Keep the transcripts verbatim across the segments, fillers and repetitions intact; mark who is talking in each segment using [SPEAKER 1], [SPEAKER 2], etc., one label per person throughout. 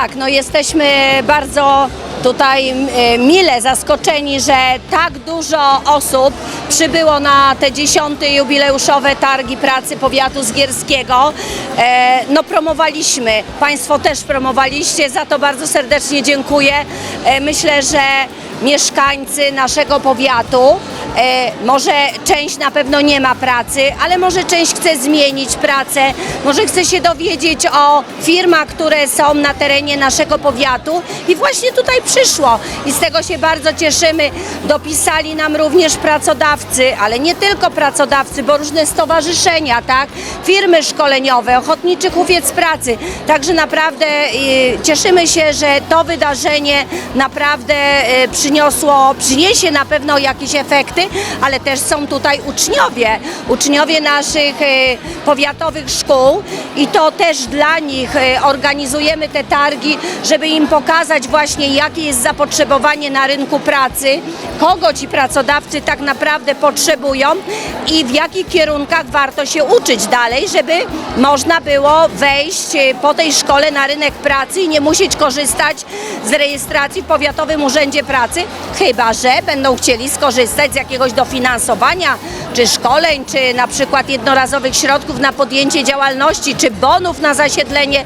[SPEAKER 1] Tak, no jesteśmy bardzo tutaj e, mile zaskoczeni, że tak dużo osób przybyło na te dziesiąte jubileuszowe targi pracy powiatu zgierskiego. E, no promowaliśmy, Państwo też promowaliście, za to bardzo serdecznie dziękuję. E, myślę, że mieszkańcy naszego powiatu, e, może część na pewno nie ma pracy, ale może część chce zmienić pracę, może chce się dowiedzieć o firmach, które są na terenie naszego powiatu i właśnie tutaj przyszło i z tego się bardzo cieszymy. Dopisali nam również pracodawcy, ale nie tylko pracodawcy, bo różne stowarzyszenia, tak, firmy szkoleniowe, Ochotniczy Hufiec Pracy, także naprawdę y, cieszymy się, że to wydarzenie naprawdę y, przyniosło, przyniesie na pewno jakieś efekty, ale też są tutaj uczniowie, uczniowie naszych y, powiatowych szkół i to też dla nich y, organizujemy te targi, żeby im pokazać właśnie, jakie jest zapotrzebowanie na rynku pracy, kogo ci pracodawcy tak naprawdę potrzebują i w jakich kierunkach warto się uczyć dalej, żeby można było wejść y, po tej szkole na rynek pracy i nie musieć korzystać z rejestracji w Powiatowym Urzędzie Pracy, chyba że będą chcieli skorzystać z jakiegoś dofinansowania, czy szkoleń, czy na przykład jednorazowych środków na podjęcie działalności, czy bonów na zasiedlenie.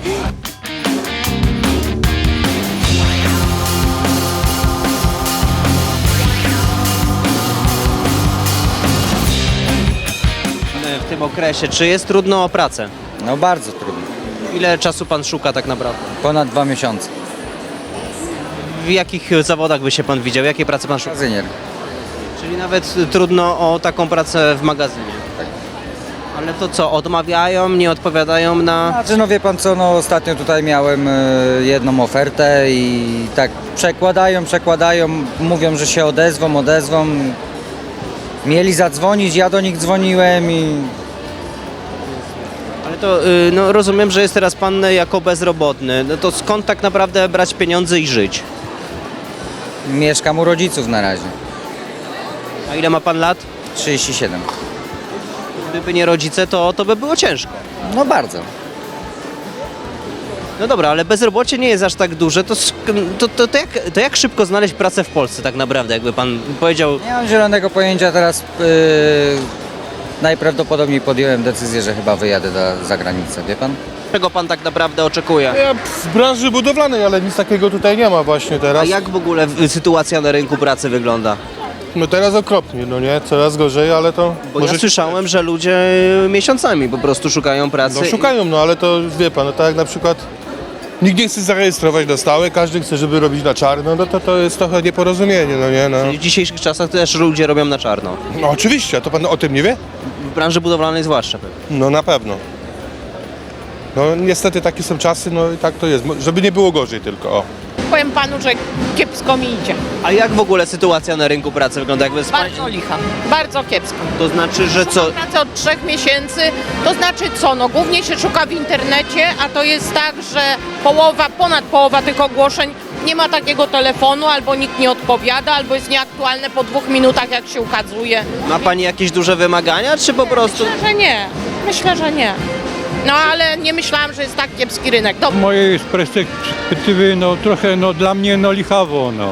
[SPEAKER 2] W tym okresie, czy jest trudno o pracę?
[SPEAKER 3] No bardzo trudno.
[SPEAKER 2] Ile czasu pan szuka tak naprawdę?
[SPEAKER 3] Ponad dwa miesiące.
[SPEAKER 2] W jakich zawodach by się pan widział? Jakie prace pan szuka?
[SPEAKER 3] Magazynier.
[SPEAKER 2] Czyli nawet trudno o taką pracę w magazynie.
[SPEAKER 3] Tak.
[SPEAKER 2] Ale to co, odmawiają, nie odpowiadają na...
[SPEAKER 3] Znaczy, no wie pan co, no ostatnio tutaj miałem y, jedną ofertę i tak przekładają, przekładają, mówią, że się odezwą, odezwą. Mieli zadzwonić, ja do nich dzwoniłem i
[SPEAKER 2] Ale to y, no, rozumiem, że jest teraz pan jako bezrobotny. No to skąd tak naprawdę brać pieniądze i żyć?
[SPEAKER 3] mieszkam u rodziców na razie.
[SPEAKER 2] A ile ma pan lat?
[SPEAKER 3] trzydzieści siedem.
[SPEAKER 2] Gdyby nie rodzice, to, to by było ciężko.
[SPEAKER 3] No bardzo.
[SPEAKER 2] No dobra, ale bezrobocie nie jest aż tak duże, to, sk- to, to, to, jak, to jak szybko znaleźć pracę w Polsce tak naprawdę, jakby pan powiedział?
[SPEAKER 3] Nie mam zielonego pojęcia, teraz yy, najprawdopodobniej podjąłem decyzję, że chyba wyjadę za, za granicę, wie pan?
[SPEAKER 2] Czego pan tak naprawdę oczekuje?
[SPEAKER 4] Ja w branży budowlanej, ale nic takiego tutaj nie ma właśnie
[SPEAKER 2] A
[SPEAKER 4] teraz.
[SPEAKER 2] jak w ogóle w- sytuacja na rynku pracy wygląda?
[SPEAKER 4] No teraz okropnie, no nie? Coraz gorzej, ale to...
[SPEAKER 2] Bo
[SPEAKER 4] może
[SPEAKER 2] ja
[SPEAKER 4] się
[SPEAKER 2] słyszałem, że ludzie miesiącami po prostu szukają pracy.
[SPEAKER 4] No szukają, no ale to wie pan, no tak jak na przykład nikt nie chce zarejestrować na stałe, każdy chce, żeby robić na czarno, no to to jest trochę nieporozumienie, no nie? No,
[SPEAKER 2] I w dzisiejszych czasach też ludzie robią na czarno.
[SPEAKER 4] no oczywiście, a to pan o tym nie wie?
[SPEAKER 2] W branży budowlanej zwłaszcza pewnie.
[SPEAKER 4] No na pewno. No niestety takie są czasy, no i tak to jest, Mo- żeby nie było gorzej tylko, o.
[SPEAKER 5] Powiem panu, że kiepsko mi idzie.
[SPEAKER 2] A jak w ogóle sytuacja na rynku pracy wygląda? Jakby z pań-
[SPEAKER 5] Bardzo licha. Bardzo kiepsko.
[SPEAKER 2] To znaczy, że co?
[SPEAKER 5] Szukam pracy od trzech miesięcy. To znaczy co? No głównie się szuka w internecie, a to jest tak, że połowa, ponad połowa tych ogłoszeń nie ma takiego telefonu, albo nikt nie odpowiada, albo jest nieaktualne po dwóch minutach, jak się ukazuje.
[SPEAKER 2] Ma pani jakieś duże wymagania, czy po prostu...
[SPEAKER 5] Myślę, że nie. Myślę, że nie. No ale nie myślałam, że jest tak kiepski rynek. Dobrze.
[SPEAKER 6] mojej perspektywy no trochę no dla mnie no lichawo no.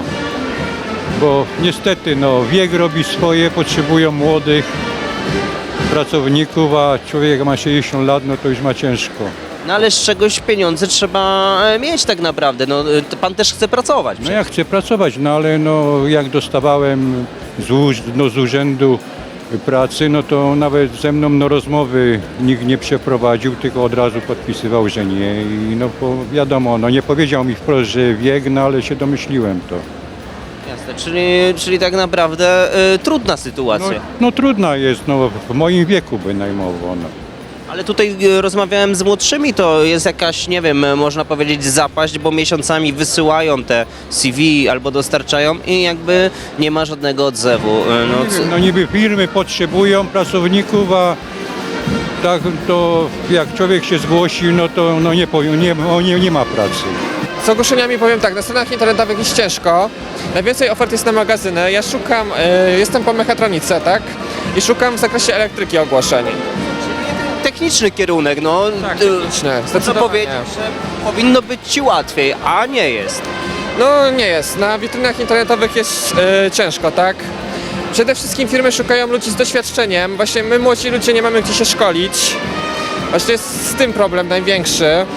[SPEAKER 6] Bo niestety no wiek robi swoje, potrzebują młodych pracowników, a człowiek jak ma sześćdziesiąt lat, no to już ma ciężko.
[SPEAKER 2] No ale z czegoś pieniądze trzeba e, mieć tak naprawdę. No, e, to pan też chce pracować.
[SPEAKER 6] No ja chcę pracować, no ale no jak dostawałem z, uż- no, z urzędu pracy, no to nawet ze mną no rozmowy nikt nie przeprowadził, tylko od razu podpisywał, że nie i no bo wiadomo, no nie powiedział mi wprost, że wiek, no ale się domyśliłem to.
[SPEAKER 2] Jasne, czyli, czyli tak naprawdę e, trudna
[SPEAKER 6] No,
[SPEAKER 2] sytuacja.
[SPEAKER 6] no trudna jest, no w moim wieku bynajmowo. No.
[SPEAKER 2] Ale tutaj e, rozmawiałem z młodszymi, to jest jakaś, nie wiem, e, można powiedzieć zapaść, bo miesiącami wysyłają te C V albo dostarczają i jakby nie ma żadnego odzewu. E, No,
[SPEAKER 6] Nie
[SPEAKER 2] co-
[SPEAKER 6] wiem, no niby firmy potrzebują pracowników, a tak to jak człowiek się zgłosi, no to no nie, powie- nie, o, nie, nie ma pracy.
[SPEAKER 7] Z ogłoszeniami powiem tak, na stronach internetowych jest ciężko. Najwięcej ofert jest na magazyny. Ja szukam, y, jestem po mechatronice, tak? I szukam w zakresie elektryki ogłoszeń.
[SPEAKER 2] te techniczny kierunek, no.
[SPEAKER 7] Tak,
[SPEAKER 2] y,
[SPEAKER 7] techniczny,
[SPEAKER 2] Co
[SPEAKER 7] zdecydowanie.
[SPEAKER 2] powiedzieć, że powinno być ci łatwiej, a nie jest.
[SPEAKER 7] No nie jest. Na witrynach internetowych jest e, ciężko, tak? Przede wszystkim firmy szukają ludzi z doświadczeniem. Właśnie my młodzi ludzie nie mamy gdzie się szkolić. Właśnie jest z tym problem największy.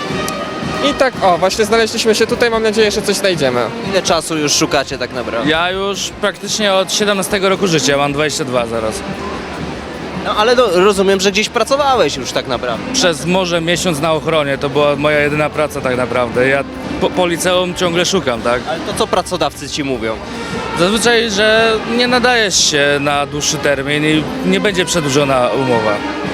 [SPEAKER 7] I tak, o, właśnie znaleźliśmy się tutaj, mam nadzieję, że coś znajdziemy.
[SPEAKER 2] Ile czasu już szukacie tak naprawdę?
[SPEAKER 8] Ja już praktycznie od siedemnastego roku życia, mam dwadzieścia dwa zaraz.
[SPEAKER 2] No ale no, rozumiem, że gdzieś pracowałeś już tak naprawdę.
[SPEAKER 8] Przez może miesiąc na ochronie, to była moja jedyna praca tak naprawdę. Ja po, po liceum ciągle szukam, tak?
[SPEAKER 2] Ale to co pracodawcy ci mówią?
[SPEAKER 8] Zazwyczaj, że nie nadajesz się na dłuższy termin i nie będzie przedłużona umowa.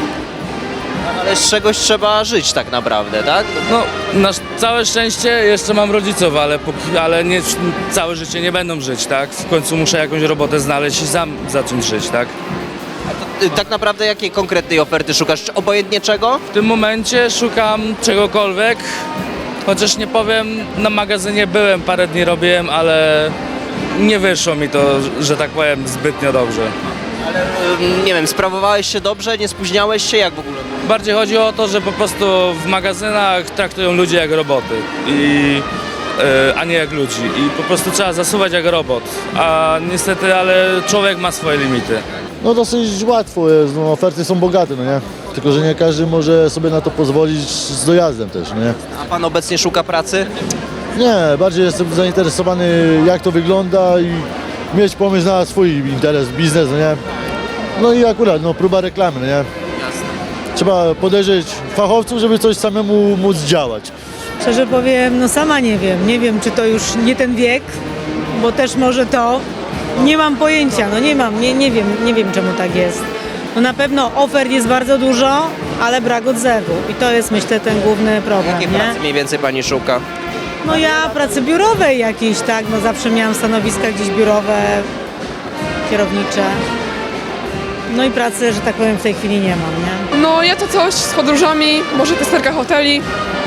[SPEAKER 2] Ale z czegoś trzeba żyć tak naprawdę, tak?
[SPEAKER 8] No, na sz- całe szczęście jeszcze mam rodziców, ale, póki, ale nie, całe życie nie będą żyć, tak? W końcu muszę jakąś robotę znaleźć i sam zacząć żyć, tak?
[SPEAKER 2] Y, Tak naprawdę jakiej konkretnej oferty szukasz? Czy obojętnie czego?
[SPEAKER 8] W tym momencie szukam czegokolwiek, chociaż nie powiem, na magazynie byłem, parę dni robiłem, ale nie wyszło mi to, że tak powiem, zbytnio dobrze.
[SPEAKER 2] Ale y, nie wiem, sprawowałeś się dobrze, nie spóźniałeś się, jak w ogóle?
[SPEAKER 8] Bardziej chodzi o to, że po prostu w magazynach traktują ludzi jak roboty, i, e, a nie jak ludzi. I po prostu trzeba zasuwać jak robot. A niestety, ale człowiek ma swoje limity.
[SPEAKER 9] No dosyć łatwo jest, no, oferty są bogate, no nie? Tylko, że nie każdy może sobie na to pozwolić z dojazdem też, no nie?
[SPEAKER 2] A pan obecnie szuka pracy?
[SPEAKER 9] Nie, bardziej jestem zainteresowany jak to wygląda i mieć pomysł na swój interes, biznes, no nie? No i akurat, no próba reklamy, no nie? Trzeba podejrzeć fachowców, żeby coś samemu móc działać.
[SPEAKER 10] Szczerze powiem, no sama nie wiem. Nie wiem, czy to już nie ten wiek, bo też może to. Nie mam pojęcia, no nie mam, nie, nie wiem, nie wiem czemu tak jest. No na pewno ofert jest bardzo dużo, ale brak odzewu i to jest, myślę, ten główny problem,
[SPEAKER 2] Jakie
[SPEAKER 10] nie?
[SPEAKER 2] pracy mniej więcej pani szuka?
[SPEAKER 10] No ja pracy biurowej jakieś, tak, no zawsze miałam stanowiska gdzieś biurowe, kierownicze. No i pracy, że tak powiem, w tej chwili nie mam, nie?
[SPEAKER 11] No ja to coś z podróżami, może testerka hoteli.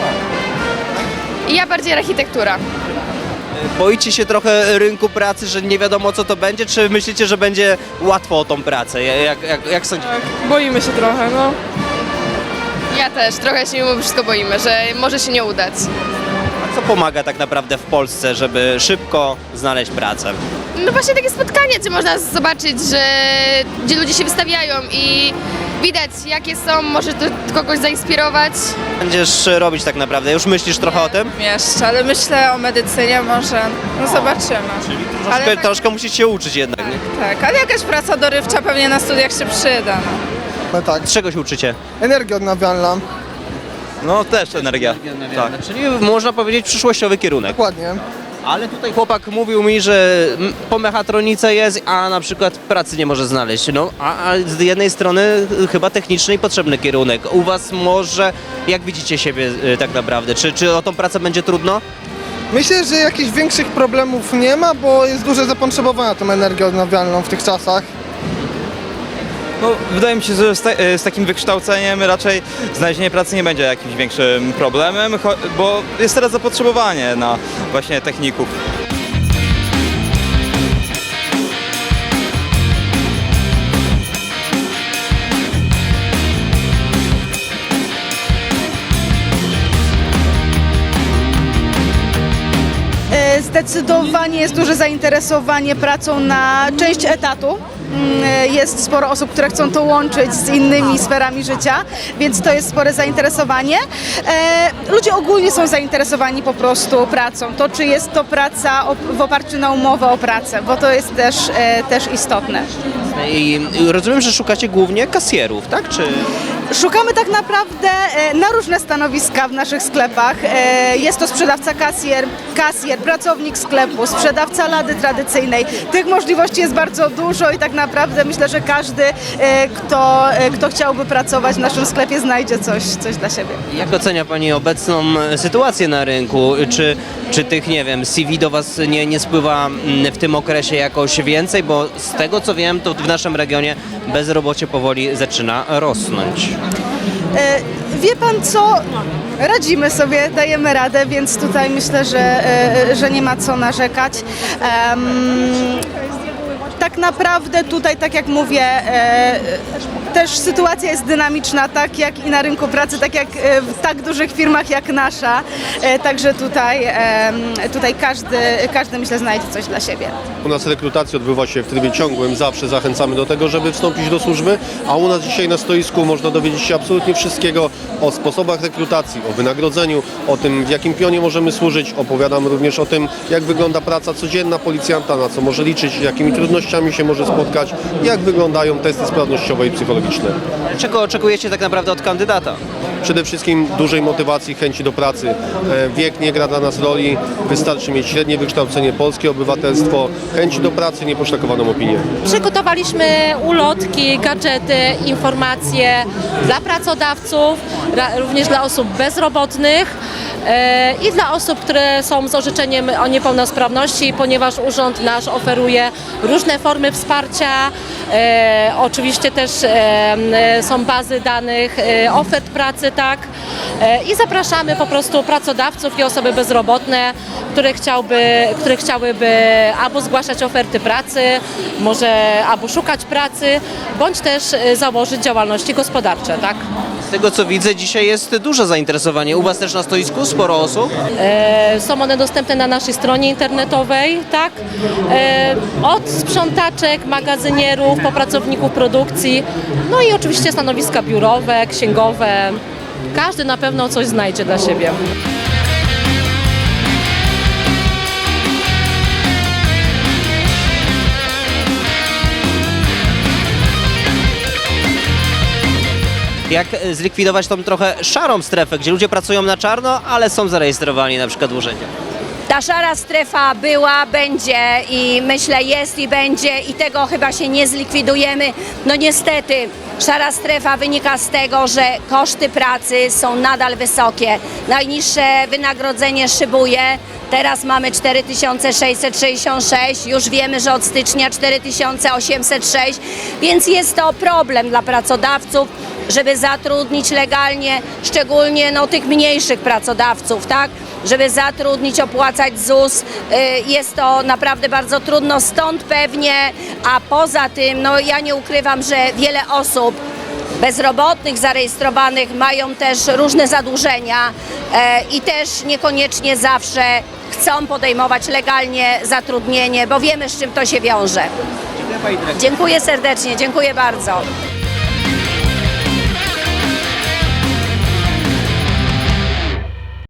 [SPEAKER 12] I ja bardziej architektura.
[SPEAKER 2] Boicie się trochę rynku pracy, że nie wiadomo co to będzie, czy myślicie, że będzie łatwo o tą pracę? Jak, jak, jak sądzicie?
[SPEAKER 11] Tak, boimy się trochę, no.
[SPEAKER 12] Ja też, trochę się mimo wszystko boimy, że może się nie udać.
[SPEAKER 2] A co pomaga tak naprawdę w Polsce, żeby szybko znaleźć pracę?
[SPEAKER 12] No właśnie takie spotkanie, gdzie można zobaczyć, że gdzie ludzie się wystawiają i widać jakie są, może to kogoś zainspirować.
[SPEAKER 2] Będziesz robić tak naprawdę? Już myślisz trochę o tym?
[SPEAKER 11] Jeszcze, ale myślę o medycynie może, no zobaczymy.
[SPEAKER 2] Troszkę,
[SPEAKER 11] tak-
[SPEAKER 2] troszkę musisz się uczyć jednak, nie?
[SPEAKER 11] Tak, ale jakaś praca dorywcza pewnie na studiach się przyda. No.
[SPEAKER 13] No tak,
[SPEAKER 2] Z czego się uczycie?
[SPEAKER 13] energia odnawialna,
[SPEAKER 2] No też energia. Tak. Czyli można powiedzieć przyszłościowy kierunek.
[SPEAKER 13] dokładnie.
[SPEAKER 2] Ale tutaj chłopak mówił mi, że m, po mechatronice jest, a na przykład pracy nie może znaleźć. No, a, a z jednej strony y, chyba techniczny i potrzebny kierunek. U was może, jak widzicie siebie y, tak naprawdę? Czy, czy o tą pracę będzie trudno?
[SPEAKER 13] Myślę, że jakichś większych problemów nie ma, bo jest duże zapotrzebowanie na tą energię odnawialną w tych czasach.
[SPEAKER 14] No, wydaje mi się, że z, ta, z takim wykształceniem raczej znalezienie pracy nie będzie jakimś większym problemem, cho- bo jest teraz zapotrzebowanie na właśnie techników.
[SPEAKER 11] Zdecydowanie jest duże zainteresowanie pracą na część etatu. Mm, Jest sporo osób, które chcą to łączyć z innymi sferami życia, więc to jest spore zainteresowanie. E, ludzie ogólnie są zainteresowani po prostu pracą. To, czy jest to praca op- w oparciu na umowę o pracę, bo to jest też, e, też istotne.
[SPEAKER 2] I y, rozumiem, że szukacie głównie kasjerów, tak? Czy...
[SPEAKER 11] Szukamy tak naprawdę e, na różne stanowiska w naszych sklepach. E, Jest to sprzedawca kasjer, kasjer, pracownik sklepu, sprzedawca lady tradycyjnej. Tych możliwości jest bardzo dużo i tak naprawdę myślę, że każdy, e, kto, e, kto chciałby pracować w naszym sklepie, znajdzie coś, coś dla siebie.
[SPEAKER 2] Jak ocenia pani obecną e, sytuację na rynku? Czy, czy tych, nie wiem, C V do was nie, nie spływa mm, w tym okresie jakoś więcej? Bo z tego co wiem, to w naszym regionie bezrobocie powoli zaczyna rosnąć.
[SPEAKER 11] E, Wie pan co? Radzimy sobie, dajemy radę, więc tutaj myślę, że, e, że nie ma co narzekać. Em, tak naprawdę tutaj, tak jak mówię, e, też sytuacja jest dynamiczna, tak jak i na rynku pracy, tak jak e, w tak dużych firmach jak nasza. E, także tutaj, e, tutaj każdy, każdy, myślę, znajdzie coś dla siebie.
[SPEAKER 15] U nas rekrutacja odbywa się w trybie ciągłym, zawsze zachęcamy do tego, żeby wstąpić do służby, a u nas dzisiaj na stoisku można dowiedzieć się absolutnie wszystkiego o sposobach rekrutacji, o wynagrodzeniu, o tym, w jakim pionie możemy służyć. Opowiadam również o tym, jak wygląda praca codzienna policjanta, na co może liczyć, jakimi trudnościami się może spotkać, jak wyglądają testy sprawnościowe i psychologiczne.
[SPEAKER 2] Czego oczekujecie tak naprawdę od kandydata?
[SPEAKER 15] Przede wszystkim dużej motywacji, chęci do pracy. E, Wiek nie gra dla nas roli, wystarczy mieć średnie wykształcenie, polskie obywatelstwo, chęci do pracy, nieposzlakowaną opinię.
[SPEAKER 16] Przygotowaliśmy ulotki, gadżety, informacje dla pracodawców, ra- również dla osób bezrobotnych e, i dla osób, które są z orzeczeniem o niepełnosprawności, ponieważ urząd nasz oferuje różne formy wsparcia. E, oczywiście też e, są bazy danych, e, ofert pracy, tak. E, I zapraszamy po prostu pracodawców i osoby bezrobotne, które, chciałby, które chciałyby albo zgłaszać oferty pracy, może albo szukać pracy, bądź też e, założyć działalności gospodarcze, tak.
[SPEAKER 2] Z tego co widzę, dzisiaj jest duże zainteresowanie. U Was też na stoisku sporo osób?
[SPEAKER 16] E, są one dostępne na naszej stronie internetowej, tak? E, od sprzątaczek, magazynierów, po pracowników produkcji, no i oczywiście stanowiska biurowe, księgowe. Każdy na pewno coś znajdzie dla siebie.
[SPEAKER 2] Jak zlikwidować tą trochę szarą strefę, gdzie ludzie pracują na czarno, ale są zarejestrowani na przykład w urzędzie?
[SPEAKER 1] Ta szara strefa była, będzie i myślę jest i będzie i tego chyba się nie zlikwidujemy. No niestety, szara strefa wynika z tego, że koszty pracy są nadal wysokie. Najniższe wynagrodzenie szybuje. Teraz mamy cztery tysiące sześćset sześćdziesiąt sześć, już wiemy, że od stycznia cztery tysiące osiemset sześć, więc jest to problem dla pracodawców, żeby zatrudnić legalnie, szczególnie no, tych mniejszych pracodawców, tak? Żeby zatrudnić, opłacać ZUS, jest to naprawdę bardzo trudno, stąd pewnie, a poza tym, no ja nie ukrywam, że wiele osób bezrobotnych, zarejestrowanych mają też różne zadłużenia i też niekoniecznie zawsze chcą podejmować legalnie zatrudnienie, bo wiemy, z czym to się wiąże. Dziękuję serdecznie, dziękuję bardzo.